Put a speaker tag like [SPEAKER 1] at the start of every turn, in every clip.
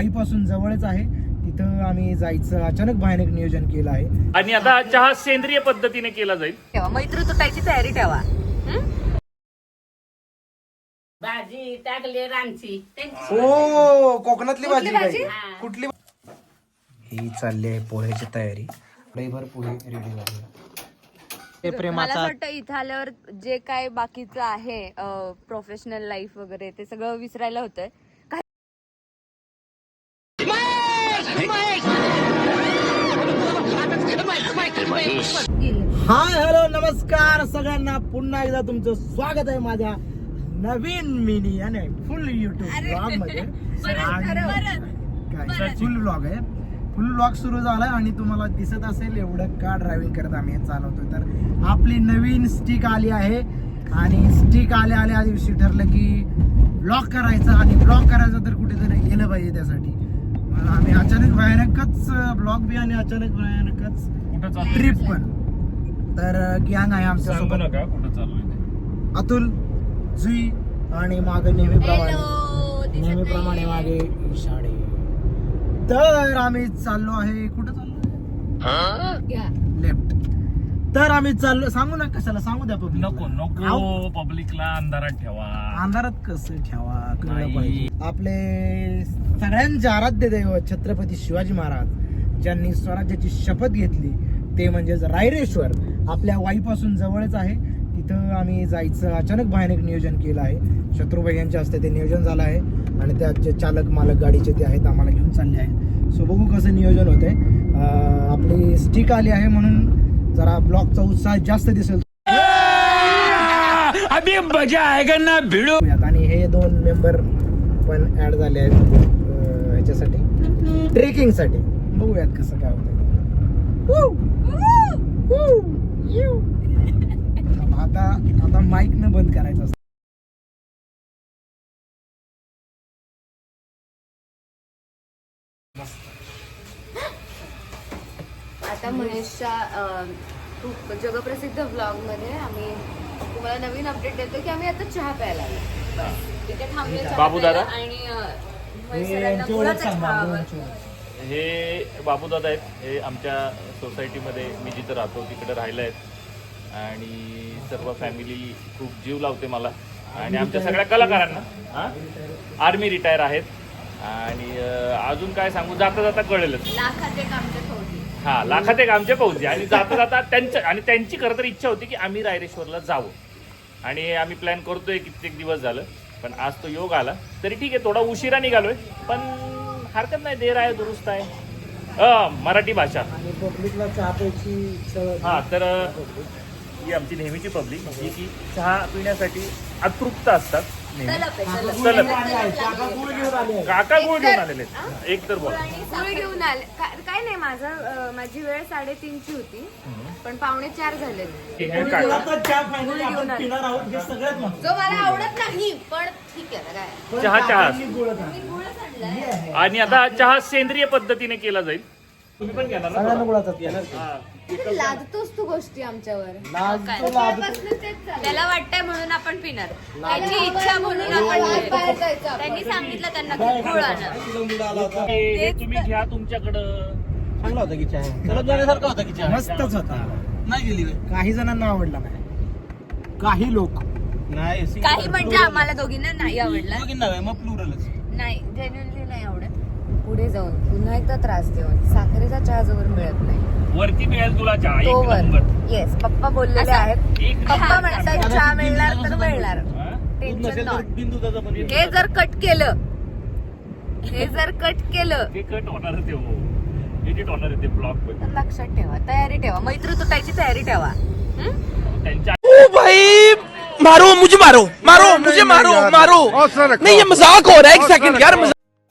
[SPEAKER 1] वाईपासून जवळच आहे, तिथं आम्ही जायचं अचानक भयानक नियोजन केलं आहे.
[SPEAKER 2] आणि आता चहा सेंद्रिय पद्धतीने केला जाईल.
[SPEAKER 3] ठेवा मैत्री तुटायची तयारी ठेवा.
[SPEAKER 4] भाजी टाकली रानची.
[SPEAKER 1] हो, कोकणातली भाजी
[SPEAKER 3] भाजी?
[SPEAKER 1] काय? कुठली? ही चालली आहे पोह्याची तयारी. भर पोहे रेडी झाले. ते
[SPEAKER 3] मला
[SPEAKER 1] प्रेमाचा
[SPEAKER 3] वाटतं इथं आल्यावर जे काय बाकीचं आहे प्रोफेशनल लाईफ वगैरे ते सगळं विसरायला होतंय.
[SPEAKER 1] हाय हॅलो नमस्कार सगळ्यांना, पुन्हा एकदा तुमचं स्वागत आहे माझ्या नवीन मिनी आणि फुल युट्यूब ब्लॉग मध्ये. फुल ब्लॉग आहे, फुल ब्लॉग सुरू झालाय आणि तुम्हाला दिसत असेल एवढं का ड्रायव्हिंग करत आम्ही चालवतोय. तर आपली नवीन स्टिक आली आहे आणि स्टिक आल्या दिवशी ठरलं की ब्लॉग करायचा आणि ब्लॉग करायचा तर कुठेतरी गेलं पाहिजे. त्यासाठी आम्ही अचानक भयानकच ब्लॉग बी आणि अचानक भयानकच ट्रिप पण. तर गँग आहे आमच्या सोबत,
[SPEAKER 2] कुठं चाललोय
[SPEAKER 1] अतुल, जुई आणि मागे नेहमीप्रमाणे मागे इशाडे. तर आम्ही चाललो आहे, कुठं चाललो? लेफ्ट. तर आम्ही चाललो, सांगू ना कशाला सांगू द्या पब्लिक.
[SPEAKER 2] नको पब्लिकला अंधारात ठेवा.
[SPEAKER 1] अंधारात कसं ठेवा कळलं पाहिजे. आपले सगळ्यांचे आराध्य दैवत छत्रपती शिवाजी महाराज ज्यांनी स्वराज्याची शपथ घेतली ते म्हणजेच रायरेश्वर आपल्या वाईपासून जवळच आहे, तिथं आम्ही जायचं अचानक भयानक नियोजन केलं आहे. शत्रुभाई यांच्या हस्ते ते नियोजन झालं आहे आणि त्यात जे चालक मालक गाडीचे ते आहेत आम्हाला घेऊन चालले आहेत. सो बघू कसं नियोजन होतंय. आपली स्टिक आली आहे म्हणून जरा ब्लॉगचा उत्साह जास्त दिसेल.
[SPEAKER 2] अभी मजा आएगा ना भिडो.
[SPEAKER 1] आणि हे 2 मेंबर पण ऍड झाले आहेत ह्याच्यासाठी, ट्रेकिंग साठी. बघूयात कसं काय होतं. आता माईक न बंद करायचं असतं.
[SPEAKER 3] आता महेशच्या खूप जगप्रसिद्ध व्लॉग मध्ये आम्ही तुम्हाला नवीन अपडेट देतो की आम्ही आता चहा प्यायला आलो. तिथे थांबले चहा
[SPEAKER 2] बाबू दादा?
[SPEAKER 3] प्यायला आणि महेश सरांना गुळाचा चहा आवडतो.
[SPEAKER 2] हे बाबूदादा आहेत, हे आमच्या सोसायटीमध्ये मी जिथं राहतो तिकडे राहिलं आहेत आणि सर्व फॅमिली खूप जीव लावते मला आणि आमच्या सगळ्या कलाकारांना. आर्मी रिटायर आहेत आणि अजून काय सांगू, जाता जाता कळेलच.
[SPEAKER 3] लाखात एक आमच्या फौजी.
[SPEAKER 2] हा, लाखात एक आमचे फौजी आणि जाता जाता त्यांची खरं तर इच्छा होती की आम्ही रायरेश्वरला जावं आणि आम्ही प्लॅन करतोय कित्येक दिवस झालं, पण आज तो योग आला. तरी ठीक आहे, थोडा उशिरा निघालोय पण हरकत नाही, देर आहे दुरुस्त आहे. मराठी भाषा
[SPEAKER 1] आणि पब्लिकला चहा प्यायची.
[SPEAKER 2] हा, तर ही आमची नेहमीची पब्लिक जी की चहा पिण्यासाठी अतृप्त असतात. काका गुळ घेऊन आलेले एक तर बोला.
[SPEAKER 3] गुळ घेऊन आले. काय नाही, माझी वेळ 3:30ची होती पण 3:45 झाले. जो मला आवडत नाही पण ठीक आहे काय.
[SPEAKER 2] चहा आणि आता चहा सेंद्रिय पद्धतीने केला जाईल. तुम्ही पण घेणार
[SPEAKER 1] सगळ्यांना गुळाचा येणार.
[SPEAKER 3] लादतोस तू गोष्टी आमच्यावर. त्याला वाटतंय म्हणून आपण पिणार, त्याची इच्छा म्हणून आपण. त्यांनी सांगितलं त्यांना गुळ आणा.
[SPEAKER 2] तुम्ही घ्या तुमच्याकडं.
[SPEAKER 1] चांगला होता की चहा, सलग जाण्यासारखा होता की चहा. मस्तच होता. नाही गेली काही जणांना आवडला नाही, काही लोक नाही.
[SPEAKER 3] काही म्हणजे आम्हाला दोघींना नाही आवडला.
[SPEAKER 1] मग प्लुरलच
[SPEAKER 3] नाही, जेन्युइनली नाही आवडत. पुढे जाऊन पुन्हा एकदा त्रास देऊन साखरेचा चहा जोवर मिळत नाही
[SPEAKER 2] वरती मिळेल तुला चहा.
[SPEAKER 3] तो
[SPEAKER 2] एक
[SPEAKER 3] वर.
[SPEAKER 2] नंबर.
[SPEAKER 3] येस, पप्पा बोललेले आहेत.
[SPEAKER 2] एक
[SPEAKER 3] पप्पा म्हणतात चहा मिळणार तर मिळणार. Tension not. हे जर कट केलं
[SPEAKER 2] ते कट होणार ते एडिट होणार ते ब्लॉग
[SPEAKER 3] तर लक्षात ठेवा, तयारी ठेवा, मैत्री तुटायची तयारी ठेवा.
[SPEAKER 2] त्यांच्या.
[SPEAKER 5] ओ भाई मारो मुझे, मारो मुझे, मारो नहीं ये मजाक हो रहा है. एक सेकंड यार.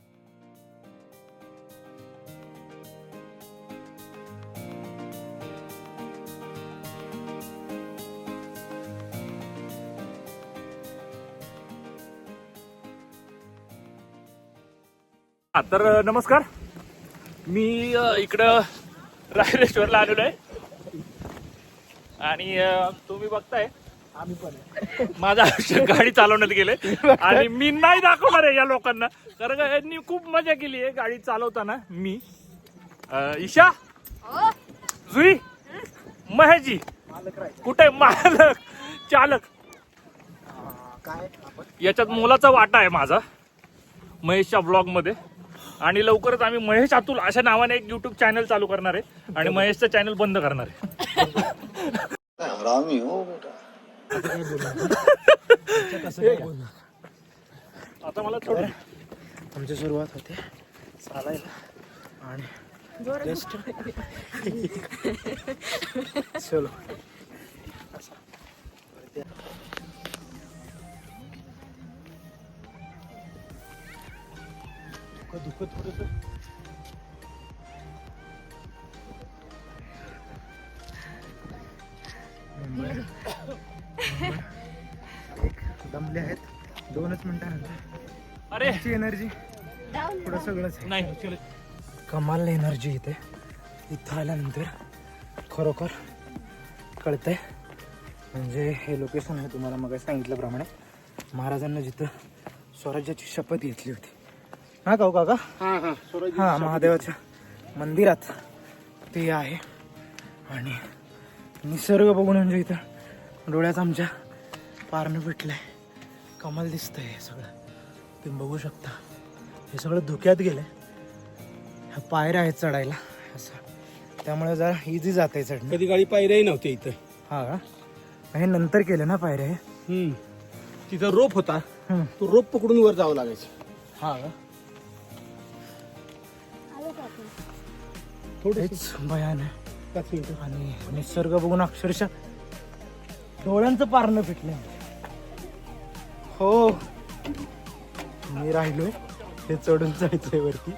[SPEAKER 2] तर नमस्कार, मी इकडं रायरेश्वरला आलेलो आहे आणि तुम्ही बघताय
[SPEAKER 1] आम्ही पण आहे.
[SPEAKER 2] माझं आयुष्य गाडी चालवण्यात गेले आणि मी नाही दाखवणार आहे या लोकांना, कारण का यांनी खूप मजा केली आहे गाडी चालवताना. मी ईशा, जुई, महेशजी
[SPEAKER 1] मालक राहायचं.
[SPEAKER 2] कुठे मालक चालक
[SPEAKER 1] काय आपण
[SPEAKER 2] याच्यात मोलाचा वाटा आहे माझा महेशच्या ब्लॉग मध्ये. आणि लवकरच आम्ही महेश अतुल अशा नावाने एक युट्यूब चॅनल चालू करणार आहे आणि महेशचं चॅनल बंद करणार आहे.
[SPEAKER 6] हरामी हो बेटा.
[SPEAKER 1] कसं काय बोलणार.
[SPEAKER 2] आता मला थोडं
[SPEAKER 1] आमची सुरुवात होते चालायला आणि जस्ट चलो दुखत थोडस एक दमले आहेत 2च मिनिटानंतर.
[SPEAKER 2] अरे
[SPEAKER 1] एनर्जी पुढं सगळंच आहे.
[SPEAKER 2] नाही चल.
[SPEAKER 1] कमाल एनर्जी इथे इथं आल्यानंतर खरोखर कळतंय. म्हणजे हे लोकेशन आहे तुम्हाला मग सांगितल्याप्रमाणे महाराजांना जिथं स्वराज्याची शपथ घेतली होती हा गाव काका. हा महादेवाच्या मंदिरात ते आहे. आणि निसर्ग बघून म्हणजे इथं डोळ्यात आमच्या पारणं पेटलंय. कमाल दिसतंय हे सगळं तुम्ही बघू शकता. हे सगळं धुक्यात गेलंय. ह्या पायऱ्या आहेत चढायला असं, त्यामुळे जरा इझी जात आहे चढणं.
[SPEAKER 7] कधी गाडी पायऱ्याही नव्हती इथं.
[SPEAKER 1] हा का हे नंतर केलं ना पायऱ्या हे.
[SPEAKER 7] तिथं रोप होता,
[SPEAKER 1] हम्म.
[SPEAKER 7] तो रोप पकडून वर जावं लागायचं.
[SPEAKER 1] हा का हेच भयान आहे.
[SPEAKER 7] 5 मिनिटं.
[SPEAKER 1] आणि निसर्ग बघून अक्षरशः डोळ्यांचं पारणं फिटलं. हो मी राहिलोय हे चढून जायचंय वरती.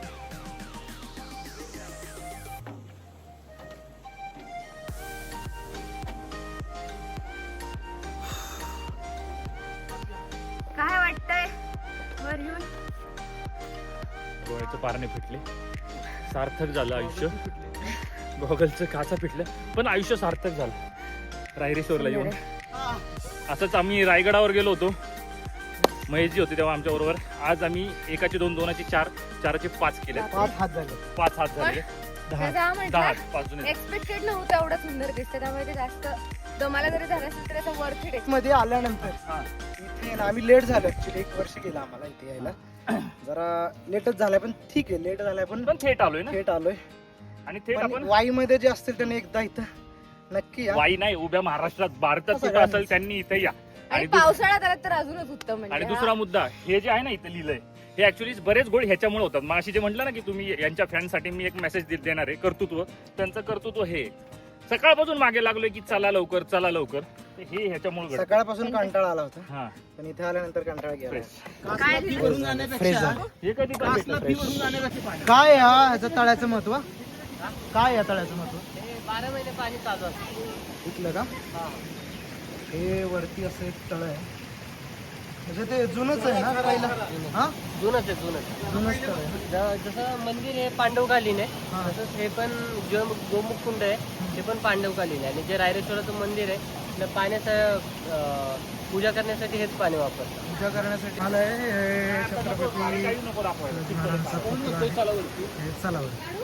[SPEAKER 3] काय वाटतंय वर येऊन?
[SPEAKER 2] डोळ्याचे पारणे फिटले. सार्थक झालं आयुष्य. गॉगलचं काचा फिटलं पण आयुष्य सार्थक झालं रायरेश्वरला येऊन. असंच आम्ही रायगडावर गेलो होतो. महेशजी होते तेव्हा आमच्या बरोबर. आज आम्ही एकाचे 2, 2चे 4, 4चे 5 केले.
[SPEAKER 1] 5 हात झाले.
[SPEAKER 2] 5 हात झाले. 10 5 जुने.
[SPEAKER 3] एक्सपेक्टेड नव्हतं एवढं सुंदर दिसतं, त्यामुळे ते जास्त दमाला जरी झालं असेल तर त्याचा वर्थ इट.
[SPEAKER 1] मध्ये आल्यानंतर इथे ना आम्ही लेट झालो ऍक्च्युली. 1 वर्ष गेलं आम्हाला इथे यायला. जरा लेटच झालाय पण ठीक आहे. लेट झालाय पण
[SPEAKER 2] थेट आलोय ना.
[SPEAKER 1] थेट आलोय.
[SPEAKER 2] आणि थेट आपण
[SPEAKER 1] वाई मध्ये जे असतील त्यांनी एकदा इथं नक्की या.
[SPEAKER 2] वाई नाही उभ्या महाराष्ट्रात भारतात कुठं असेल त्यांनी इथे या.
[SPEAKER 3] आणि पावसाळ्यात आला तर अजूनच उत्तम.
[SPEAKER 2] आणि
[SPEAKER 3] म्हणजे
[SPEAKER 2] दुसरा मुद्दा हे जे आहे ना इथे लिहिलंय हे ऍक्च्युली बरेच गोड ह्याच्यामुळे होतात. मग अशी जे म्हटलं ना की तुम्ही यांच्या फॅनसाठी मी एक मेसेज देणार आहे कर्तृत्व. त्यांचं कर्तृत्व हे सकाळपासून मागे लागलोय की चला लवकर चला लवकर. हे ह्याच्यामुळे घडतं.
[SPEAKER 1] सकाळपासून कंटाळा आला होता
[SPEAKER 2] हा
[SPEAKER 1] पण इथे आल्यानंतर कंटाळा गेला.
[SPEAKER 3] काय
[SPEAKER 1] फ्रेश झालं.
[SPEAKER 2] हे कधी पण भेटलं.
[SPEAKER 1] काय हा ह्याचं तळ्याचं महत्व. काय या तळ्याचं महत्व
[SPEAKER 4] 12 महिने पाणी चालू असतं.
[SPEAKER 1] इथलं का. हे वरती असं एक तळ आहे. म्हणजे ते जुनच आहे ना करायला. हा
[SPEAKER 4] जुनच आहे जुनच.
[SPEAKER 1] जुनच तळ आहे.
[SPEAKER 4] जसं मंदिर हे पांडवकालीन आहे,
[SPEAKER 1] हा.
[SPEAKER 4] तसंच हे पण जे गोमुख कुंड आहे ते पण पांडवकालीन आहे. आणि जे रायरेश्वराचं मंदिर आहे त्या पाण्याचं पूजा करण्यासाठी हेच पाणी वापरतात.
[SPEAKER 1] पूजा करण्यासाठी आलंय हे छत्रपती
[SPEAKER 2] काही नको दाखवायला.
[SPEAKER 1] महाराजांचा पुतळा आहे. हे चला बरं.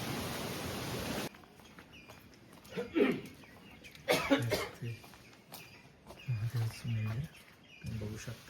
[SPEAKER 1] महादेवाचं मंदिर तुम्ही बघू शकता.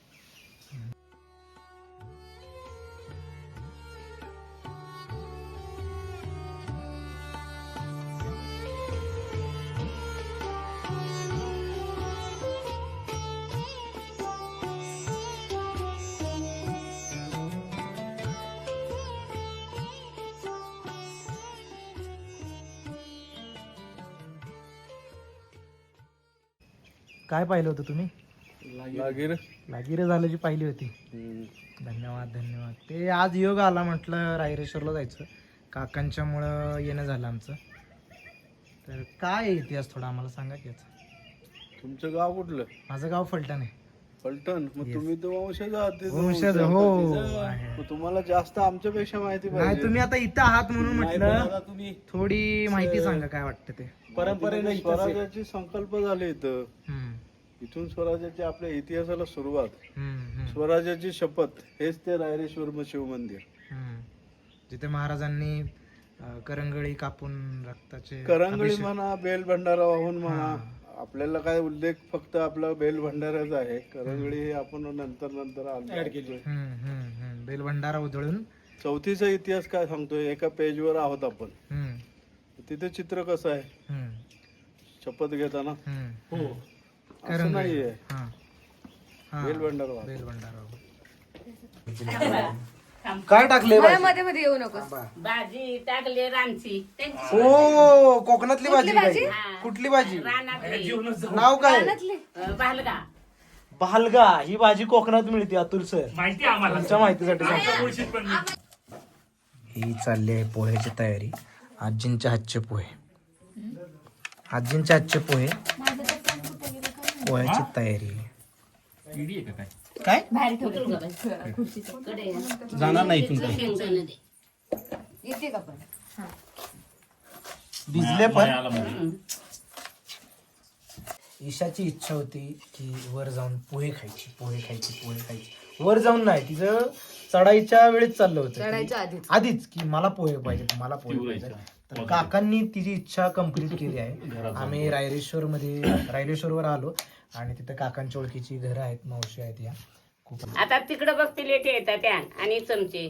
[SPEAKER 1] काय पाहिलं होतं तुम्ही. लागीर झाल्याची पाहिली होती. धन्यवाद धन्यवाद. ते आज योग आला म्हटलं रायरेश्वरला जायचं. काकांच्यामुळं येणं झालं आमचं. तर काय आहे इतिहास थोडा आम्हाला सांगा की याचा.
[SPEAKER 6] तुमचं गाव कुठलं.
[SPEAKER 1] माझं गाव फलटण आहे.
[SPEAKER 6] फलटण. मग
[SPEAKER 1] Yes.
[SPEAKER 6] तुम्ही तर वंशज आहात ते तर
[SPEAKER 1] वंशज,
[SPEAKER 6] वंशज
[SPEAKER 1] हो,
[SPEAKER 6] आहात.
[SPEAKER 1] आहे.
[SPEAKER 6] मग तुम्हाला जास्त आमच्यापेक्षा माहिती
[SPEAKER 1] नाही
[SPEAKER 6] पाहिजे.
[SPEAKER 1] तुम्ही आता इथं आहात म्हणून
[SPEAKER 6] नाही, पण
[SPEAKER 1] म्हटलं
[SPEAKER 6] आता तुम्ही
[SPEAKER 1] थोडी माहिती सांगा काय वाटतं ते.
[SPEAKER 6] परंपरेने स्वराज्याची संकल्प झाले इथं.
[SPEAKER 1] हम्म.
[SPEAKER 6] इथून स्वराज्याची आपल्या इतिहासाला सुरुवात,
[SPEAKER 1] हम्म.
[SPEAKER 6] स्वराज्याची शपथ, हेच ते रायरेश्वर शिवमंदिर.
[SPEAKER 1] जिथे महाराजांनी करंगळी कापून रक्ताचे
[SPEAKER 6] करंगळी म्हणा, बेल भंडारा वाहून म्हणा, आपल्याला काय उल्लेख फक्त आपला बेल भंडाऱ्याचा आहे. करंगळी हे आपण नंतर ऍड केली.
[SPEAKER 1] बेलभंडारा उधळून
[SPEAKER 6] चौथीचा इतिहास काय सांगतोय, एका पेजवर आहोत आपण. तिथे चित्र कसं आहे शपथ घेताना, असं नाहीये. बेल भंडारा
[SPEAKER 1] बेलभंडारा काय टाकले
[SPEAKER 3] मला मध्ये मध्ये येऊ नकोस.
[SPEAKER 8] भाजी टाकली रानची
[SPEAKER 1] ओ कोकणातली भाजी
[SPEAKER 3] भाजी?
[SPEAKER 1] काय? कुठली भाजी?
[SPEAKER 8] रानातली
[SPEAKER 1] नाव काय?
[SPEAKER 8] भालगा
[SPEAKER 1] भालगा. ही भाजी कोकणात मिळते अतुल सर,
[SPEAKER 2] माहिती आहे आम्हाला.
[SPEAKER 1] तुमच्या माहितीसाठी सांगतो.
[SPEAKER 2] मुळशीत पण मी.
[SPEAKER 1] ही चालली आहे पोह्याची तयारी. आजींच्या हातचे पोहे, आजींच्या हातचे पोहे, पोह्याची तयारी.
[SPEAKER 2] इडी आहे का काय?
[SPEAKER 1] काय
[SPEAKER 7] जाणार नाही इथून काही.
[SPEAKER 8] शेंगदाणे दे.
[SPEAKER 3] येते का पण?
[SPEAKER 1] भिजले पण.
[SPEAKER 2] आला मध्ये.
[SPEAKER 1] ईशाची इच्छा होती की वर जाऊन पोहे खायची. वर जाऊन नाही, तिचं चढाईच्या वेळेस चाललं होतं.
[SPEAKER 3] चढायच्या आधीच.
[SPEAKER 1] आधीच की मला पोहे पाहिजे. तर काकांनी तिची इच्छा कंप्लीट केली आहे. आम्ही रायरेश्वरवर आलो आणि तिथे काकांच्या ओळखीची घरं आहेत, मावशी आहेत. या खूप
[SPEAKER 8] आता तिकडं बघ प्लेट येतात त्या आणि चमचे.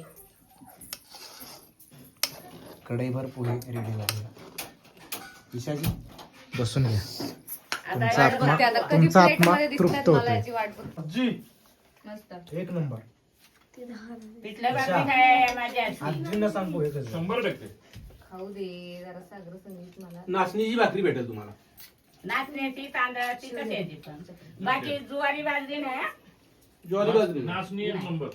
[SPEAKER 1] कढईभर पोहे रेडी झाले. ईशाजी बसून घ्या.
[SPEAKER 3] आता
[SPEAKER 1] तुमचा
[SPEAKER 3] वाट बघते आता. कधी
[SPEAKER 1] तुमचा
[SPEAKER 3] plate
[SPEAKER 1] आत्मा
[SPEAKER 3] मध्ये दिसतात
[SPEAKER 1] तृप्त
[SPEAKER 3] मला
[SPEAKER 1] होतोय.
[SPEAKER 3] याची वाट बघ.
[SPEAKER 1] आजी
[SPEAKER 3] मस्त.
[SPEAKER 1] एक नंबर.
[SPEAKER 8] पिठलं भाकरी काय माझी आजी.
[SPEAKER 1] आजींना सांग पोहे कसं.
[SPEAKER 2] 100%.
[SPEAKER 3] खाऊ दे जरा सागर संगीत मला.
[SPEAKER 7] नाचणीची भाकरी भेटेल तुम्हाला.
[SPEAKER 8] नाचण्याची तांदळाची कशाची पण. बाकी ज्वारी भाजली नाही हा?
[SPEAKER 7] ज्वारी बाजरी.
[SPEAKER 2] नाचणी एक नंबर.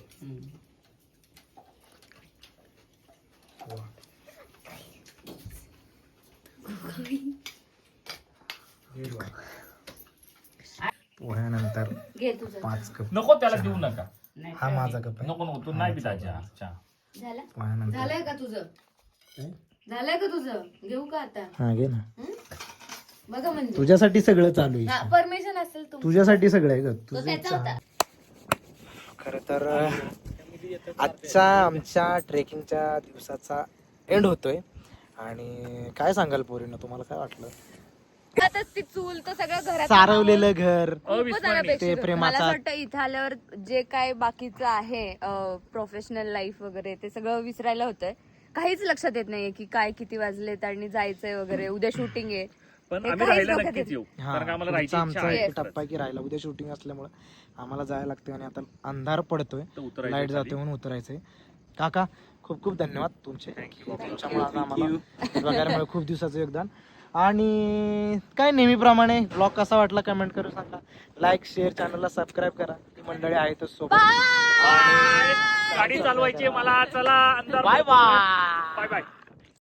[SPEAKER 1] पोह्यानंतर
[SPEAKER 3] घे तुझं.
[SPEAKER 1] 5 कप.
[SPEAKER 2] नको त्याला देऊ नका.
[SPEAKER 8] नाही
[SPEAKER 1] हा माझा कप आहे.
[SPEAKER 2] नको तू नाही पिता चहा.
[SPEAKER 3] झालं?
[SPEAKER 1] पोह्यानंतर
[SPEAKER 3] झालंय का तुझं? झालंय का तुझं? घेऊ का आता?
[SPEAKER 1] हा घे ना.
[SPEAKER 3] बघा म्हणजे
[SPEAKER 1] तुझ्यासाठी सगळं चालू आहे.
[SPEAKER 3] परमिशन असेल तुमचं.
[SPEAKER 1] तुझ्यासाठी सगळं आहे ग.
[SPEAKER 3] तो
[SPEAKER 1] तुझं
[SPEAKER 3] त्याचा होता.
[SPEAKER 1] खर तर आजच्या आमच्या ट्रेकिंगच्या दिवसाचा एंड होतोय. आणि काय सांगाल पोरीनं, तुम्हाला काय वाटलं?
[SPEAKER 3] आता ती चूल तर सगळं घरात
[SPEAKER 1] सारवलेलं घर,
[SPEAKER 3] खूपच अनपेक्षित
[SPEAKER 1] ते
[SPEAKER 3] होतं. मला
[SPEAKER 1] प्रेमाचा
[SPEAKER 3] असं वाटतं इथं आल्यावर जे काय बाकीचं आहे प्रोफेशनल लाईफ वगैरे ते सगळं विसरायला होतंय. काहीच लक्षात येत नाहीये की काय किती वाजलेत आणि जायचंय वगैरे, उद्या शूटिंग आहे.
[SPEAKER 2] पण
[SPEAKER 3] हे
[SPEAKER 2] आम्ही
[SPEAKER 3] काहीच
[SPEAKER 2] राहायला
[SPEAKER 3] डोक्यात
[SPEAKER 2] नक्कीच
[SPEAKER 3] येत
[SPEAKER 2] येऊ.
[SPEAKER 1] हा,
[SPEAKER 2] कारण का आम्हाला
[SPEAKER 1] पुढचा
[SPEAKER 2] राहायची इच्छा
[SPEAKER 1] आमचा
[SPEAKER 2] आहे.
[SPEAKER 1] एक टप्पा की राहिला. उद्या शूटिंग असल्यामुळे आम्हाला जायला लागतंय आणि आता अंधार पडतोय,
[SPEAKER 2] तर उतरायचं
[SPEAKER 1] लाईट
[SPEAKER 2] खाली.
[SPEAKER 1] जाते म्हणून उतरायचंय. काका खूप खूप धन्यवाद तुमचे. तुमच्यामुळे आता आम्हाला बघायला मिळालं खूप दिवसाचं योगदान. आणि काय नेहमीप्रमाणे ब्लॉग कसा वाटला कमेंट करून सांगा. लाईक शेअर, चॅनलला सबस्क्राईब करा. ती मंडळी आहेतच सोबत.
[SPEAKER 2] गाडी चालवायची आहे मला. चला अंदर.
[SPEAKER 1] Bye bye.
[SPEAKER 2] Bye bye.